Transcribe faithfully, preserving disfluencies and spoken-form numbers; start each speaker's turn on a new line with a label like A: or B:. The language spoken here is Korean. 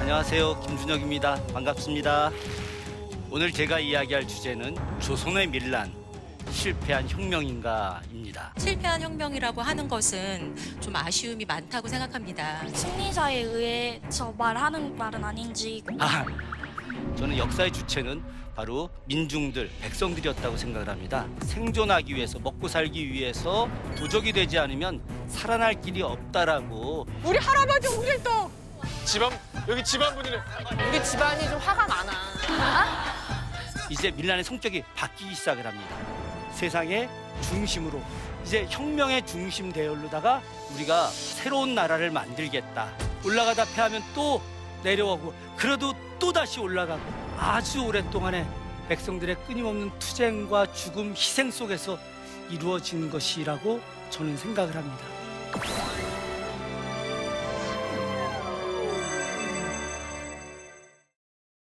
A: 안녕하세요. 김준혁입니다. 반갑습니다. 오늘 제가 이야기할 주제는 조선의 밀란, 실패한 혁명인가입니다.
B: 실패한 혁명이라고 하는 것은 좀 아쉬움이 많다고 생각합니다.
C: 승리자에 의해서 말하는 말은 아닌지.
A: 아, 저는 역사의 주체는 바로 민중들, 백성들이었다고 생각을 합니다. 생존하기 위해서, 먹고 살기 위해서 도적이 되지 않으면 살아날 길이 없다라고.
D: 우리 할아버지 우릴 또
E: 집안 여기 집안분이네.
D: 우리 집안이 좀 화가 많아.
A: 이제 밀란의 성격이 바뀌기 시작을 합니다. 세상의 중심으로, 이제 혁명의 중심 대열로다가 우리가 새로운 나라를 만들겠다. 올라가다 패하면 또 내려오고, 그래도 또 다시 올라가고, 아주 오랫동안의 백성들의 끊임없는 투쟁과 죽음, 희생 속에서 이루어진 것이라고 저는 생각을 합니다.